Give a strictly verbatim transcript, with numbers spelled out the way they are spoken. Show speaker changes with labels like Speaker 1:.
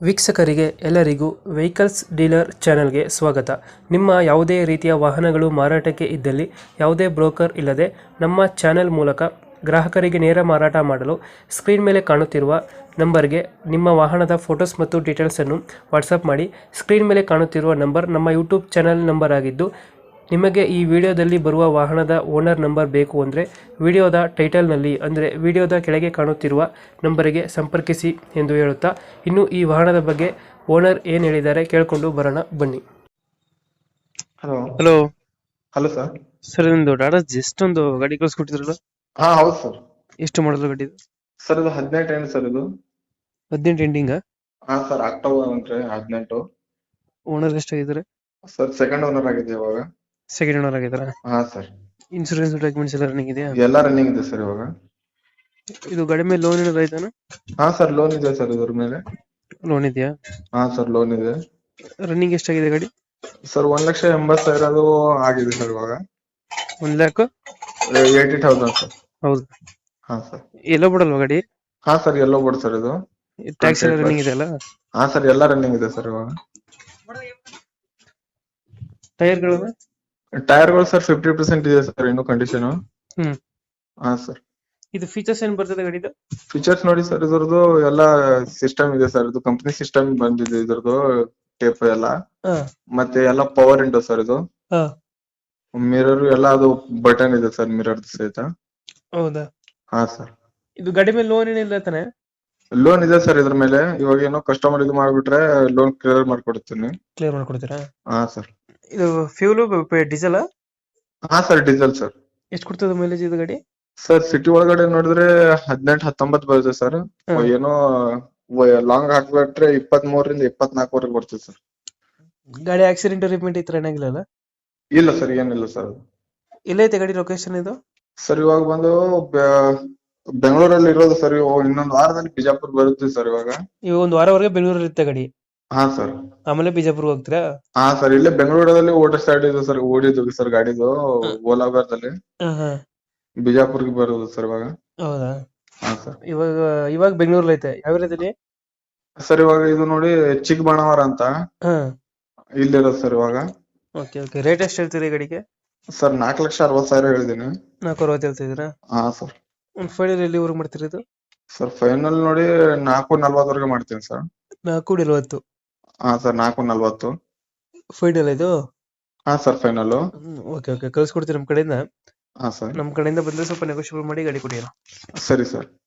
Speaker 1: ವೀಕ್ಷಕರಿಗೆ ಎಲ್ಲರಿಗೂ vehicles dealer ಚಾನೆಲ್ಗೆ ಸ್ವಾಗತ. ನಿಮ್ಮ ಯಾವುದೇ ರೀತಿಯ ವಾಹನಗಳು ಮಾರಾಟಕ್ಕೆ ಇದ್ದಲ್ಲಿ ಯಾವುದೇ ಬ್ರೋಕರ್ ಇಲ್ಲದೆ ನಮ್ಮ ಚಾನೆಲ್ ಮೂಲಕ ಗ್ರಾಹಕರಿಗೆ ನೇರ ಮಾರಾಟ ಮಾಡಲು ಸ್ಕ್ರೀನ್ ಮೇಲೆ ಕಾಣುತ್ತಿರುವ ನಂಬರ್ಗೆ ನಿಮ್ಮ ವಾಹನದ ಫೋಟೋಸ್ ಮತ್ತು ಡೀಟೇಲ್ಸನ್ನು ವಾಟ್ಸಪ್ ಮಾಡಿ. ಸ್ಕ್ರೀನ್ ಮೇಲೆ ಕಾಣುತ್ತಿರುವ ನಂಬರ್ ನಮ್ಮ ಯೂಟ್ಯೂಬ್ ಚಾನೆಲ್ ನಂಬರ್ ಆಗಿದ್ದು, ನಿಮಗೆ ಈ ವಿಡಿಯೋದಲ್ಲಿ ಬರುವ ವಾಹನದ ಓನರ್ ನಂಬರ್ ಬೇಕು ಅಂದರೆ ವಿಡಿಯೋದ ಟೈಟಲ್ನಲ್ಲಿ ಅಂದರೆ ವಿಡಿಯೋದ ಕೆಳಗೆ ಕಾಣುತ್ತಿರುವ ನಂಬರಿಗೆ ಸಂಪರ್ಕಿಸಿ ಎಂದು ಹೇಳುತ್ತಾ, ಇನ್ನು ಈ ವಾಹನದ ಬಗ್ಗೆ ಓನರ್ ಏನು ಹೇಳಿದ್ದಾರೆ ಕೇಳಿಕೊಂಡು ಬರೋಣ ಬನ್ನಿ.
Speaker 2: Hello
Speaker 1: hello
Speaker 2: hello sir.
Speaker 1: Sir, ನಿಮ್ಮದು ಟಾಟಾ ಜಸ್ಟ್ ಒಂದು ಗಾಡಿ ಕಳಿಸ್ಕೊಟ್ಟಿದ್ರಲ್ಲ,
Speaker 2: ಹಾ ಹೌದು ಸರ್.
Speaker 1: ಎಷ್ಟು ಮಾಡಲು ಗಾಡಿ ಇದು?
Speaker 2: ಸರ್ ಇದು ಹದಿನೆಂಟು ಏನು ಸರ್ ಇದು?
Speaker 1: ಹದಿನೆಂಟು ಎಂಡಿಂಗ್.
Speaker 2: ಹಾ ಸರ್, ಅಕ್ಟೋಬರ್ ಅಂದ್ರೆ ಹದಿನೆಂಟು.
Speaker 1: ಓನರ್ ಎಷ್ಟಾಗಿದ್ದಾರೆ?
Speaker 2: ಸರ್ ಸೆಕೆಂಡ್ ಓನರ್ ಆಗಿದೆ ಇವಾಗ.
Speaker 1: ಸೆಕೆಂಡ್ ಓನರ್ ಆಗಿದ್ದಾರೆ.
Speaker 2: ಹಾ ಸರ್.
Speaker 1: ಇನ್ಸೂರೆನ್ಸ್ ಡಾಕ್ಯುಮೆಂಟ್ಸ್ ಎಲ್ಲ ರನ್ನಿಂಗ್ ಇದೆಯಾ?
Speaker 2: ಎಲ್ಲ ರನ್ನಿಂಗ್ ಇದೆ ಸರ್ ಇವಾಗ.
Speaker 1: ಇದು ಗಾಡಿ ಮೇಲೆ ಲೋನ್ ಏನಾದ್ರು ಆಯ್ತಾನ?
Speaker 2: ಹಾ ಸರ್, ಲೋನ್ ಇದೆ ಸರ್ ಇದ್ರ ಮೇಲೆ.
Speaker 1: ಲೋನ್ ಇದೆಯಾ?
Speaker 2: ಹಾ ಸರ್, ಲೋನ್ ಇದೆ.
Speaker 1: ರನ್ನಿಂಗ್ ಎಷ್ಟಾಗಿದೆ ಗಾಡಿ?
Speaker 2: ಸರ್ ಒಂದ್ ಲಕ್ಷ ಎಂಬತ್ತು ಸಾವಿರ ಅದು ಆಗಿದೆ ಸರ್ ಇವಾಗ.
Speaker 1: ಒಂದ್ ಲ್ಯಾಕ್
Speaker 2: ಏಯ್ಟಿ ತೌಸಂಡ್ ಸರ್.
Speaker 1: ಹೌದು.
Speaker 2: ಹಾ ಸರ್.
Speaker 1: ಎಲ್ಲೋ ಬಿಡಲ್ವಾ ಗಾಡಿ?
Speaker 2: ಹಾ ಸರ್, ಎಲ್ಲೋ ಬೋರ್ಡ್ ಸರ್ ಇದು.
Speaker 1: ಟ್ಯಾಕ್ಸ್ ಎಲ್ಲ ರನ್ನಿಂಗ್ ಇದೆ ಅಲ್ಲ?
Speaker 2: ಹಾ ಸರ್, ಎಲ್ಲ ರನ್ನಿಂಗ್ ಇದೆ ಸರ್ ಇವಾಗ.
Speaker 1: ಟೈರ್ಗಳು?
Speaker 2: ಟೈರ್ಗಳು ಸರ್ ಫಿಫ್ಟಿ ಪರ್ಸೆಂಟ್ ಇದೆ ಸರ್ ಇನ್ನು ಕಂಡೀಷನ್.
Speaker 1: ಹ್ಮ್.
Speaker 2: ಹಾ ಸರ್.
Speaker 1: ಇದು ಫೀಚರ್ಸ್ ಏನ್ ಬರ್ತದೆ ಗಾಡಿದು?
Speaker 2: ಫೀಚರ್ಸ್ ನೋಡಿ ಸರ್, ಇದ್ರದ್ದು ಎಲ್ಲ ಸಿಸ್ಟಮ್ ಇದೆ ಸರ್. ಇದು ಕಂಪನಿ ಸಿಸ್ಟಮ್ ಬಂದಿದೆ ಇದ್ರದ್ದು, ಟೇಪ್ ಎಲ್ಲ.
Speaker 1: ಹಾ.
Speaker 2: ಮತ್ತೆ ಎಲ್ಲ ಪವರ್ ವಿಂಡೋ ಸರ್ ಇದು.
Speaker 1: ಹಾ.
Speaker 2: ಮಿರರ್ ಎಲ್ಲ ಅದು ಬಟನ್ ಇದೆ ಸರ್, ಮಿರರ್ ಸಹಿತ.
Speaker 1: ಹೌದಾ?
Speaker 2: ಹಾ ಸರ್.
Speaker 1: ಇದು ಗಾಡಿ ಮೇಲೆ ಲೋನ್ ಏನಿಲ್ಲ ತಾನೆ?
Speaker 2: ಲೋನ್ ಇದೆ ಸರ್ ಇದ್ರ ಮೇಲೆ. ಇವಾಗ ಏನೋ ಕಸ್ಟಮರ್ ಇದು ಮಾಡ್ಬಿಟ್ರೆ ಲೋನ್ ಕ್ಲಿಯರ್ ಮಾಡ್ಕೊಡ್ತೀನಿ.
Speaker 1: ಕ್ಲಿಯರ್ ಮಾಡ್ಕೊಡ್ತೀರಾ?
Speaker 2: ಹಾ ಸರ್.
Speaker 1: ಇದು ಫ್ಯೂಲು ಡೀಸೆಲ್?
Speaker 2: ಹಾ ಸರ್, ಡೀಸೆಲ್ ಸರ್.
Speaker 1: ಎಷ್ಟು ಕೊಡ್ತದೆ ಮೈಲೇಜ್ ಇದು ಗಾಡಿ?
Speaker 2: ಸರ್ ಸಿಟಿ ಒಳಗಡೆ ನೋಡಿದ್ರೆ ಹದಿನೆಂಟು ಹತ್ತೊಂಬತ್ತು ಬರುತ್ತೆ ಸರ್.
Speaker 1: ಹಾ.
Speaker 2: ಏನೋ ಲಾಂಗ್ ಹಾಕ್ಬಿಟ್ರೆ ಇಪ್ಪತ್ತ್ ಮೂರರಿಂದ ಇಪ್ಪತ್ನಾಲ್ಕವರೆಗೆ ಬರ್ತದೆ ಸರ್.
Speaker 1: ಗಾಡಿ ಆಕ್ಸಿಡೆಂಟ್ ರಿಪೇಂಟ್ ಇತ್ತು ಏನಾಗಿಲ್ಲ ಅಲ್ಲ?
Speaker 2: ಇಲ್ಲ ಸರ್, ಏನಿಲ್ಲ ಸರ್.
Speaker 1: ಎಲ್ಲೈತೆ ಗಾಡಿ ಲೊಕೇಶನ್ ಇದು?
Speaker 2: ಸರ್ ಇವಾಗ ಬಂದು ಬೆ- ಬೆಂಗಳೂರಲ್ಲಿ ಇರೋದು ಸರ್. ಇವಾಗ ಇನ್ನೊಂದು ವಾರದಲ್ಲಿ ಬಿಜಾಪುರ್ ಬರುತ್ತೆ ಸರ್ ಇವಾಗ.
Speaker 1: ಇವಾಗ ಒಂದು ವಾರವರೆಗೆ ಬೆಂಗಳೂರಲ್ಲಿ ಇರುತ್ತೆ ಗಾಡಿ,
Speaker 2: ಹಾ ಸರ್.
Speaker 1: ಆಮೇಲೆ ಬಿಜಾಪುರ್ಗೆ ಹೋಗ್ತೀರಾ?
Speaker 2: ಹಾ ಸರ್, ಇಲ್ಲೇ ಬೆಂಗಳೂರಲ್ಲಿ ಓಡಿಸ್ತಾ ಇದ್ದು ಸರ್, ಓಡಿದ್ದು ಸರ್ ಗಾಡಿದು ಓಲಾಬಾರ್ದಲ್ಲಿ.
Speaker 1: ಹಾ ಹಾ.
Speaker 2: ಬಿಜಾಪುರ್ಗೆ ಬರೋದು ಸರ್ ಇವಾಗ.
Speaker 1: ಹೌದಾ?
Speaker 2: ಹಾ ಸರ್.
Speaker 1: ಇವಾಗ ಇವಾಗ ಬೆಂಗಳೂರಲ್ಲಿ ಐತೆ. ಯಾವ ಏರಿಯಾದಲ್ಲಿ?
Speaker 2: ಸರ್ ಇವಾಗ ಇದು ನೋಡಿ ಚಿಕ್ಕಬಾಣಾವರ ಅಂತ
Speaker 1: ಹಾ.
Speaker 2: ಇಲ್ಲಿರೋದು ಸರ್ ಇವಾಗ.
Speaker 1: Okay okay. ರೇಟ್ ಎಷ್ಟು ಹೇಳ್ತೀರಿ ಗಾಡಿಗೆ?
Speaker 2: ಸರ್ ನಾಲ್ಕು ಲಕ್ಷ ಅರವತ್ತು ಸಾವಿರ ಹೇಳಿದೀನಿ.
Speaker 1: ನಾಲ್ಕು ಅರವತ್ತು ಹೇಳ್ತಿದ್ದೀರಾ?
Speaker 2: ಹಾ ಸರ್.
Speaker 1: ಒಂದು ಫೈನಲ್ ಎಲ್ಲಿವರೆಗೆ ಮಾಡ್ತೀರಿ ಇದು?
Speaker 2: ಸರ್ ಫೈನಲ್ ನೋಡಿ ನಾಲ್ಕು ನಲ್ವತ್ತವರೆಗೆ ಮಾಡ್ತೀನಿ ಸರ್.
Speaker 1: ನಾಲ್ಕು ನಲವತ್ತು?
Speaker 2: ಹಾ ಸರ್, ನಾಲ್ಕು ನಲ್ವತ್ತು
Speaker 1: ಫೈನಲ್ ಇದು?
Speaker 2: ಹಾ ಸರ್, ಫೈನಲ್.
Speaker 1: Okay okay. ಕಳ್ಸ್ಕೊಡ್ತೀವಿ ನಮ್ಮ ಕಡೆಯಿಂದ.
Speaker 2: ಹಾ ಸರ್.
Speaker 1: ನಮ್ಮ ಕಡೆಯಿಂದ ಬಂದ್ರೆ ಸ್ವಲ್ಪ ನೆಗೋಷಿಯಬಲ್ ಮಾಡಿ ಗಾಡಿ ಕೊಡಿ.
Speaker 2: ಸರಿ ಸರ್.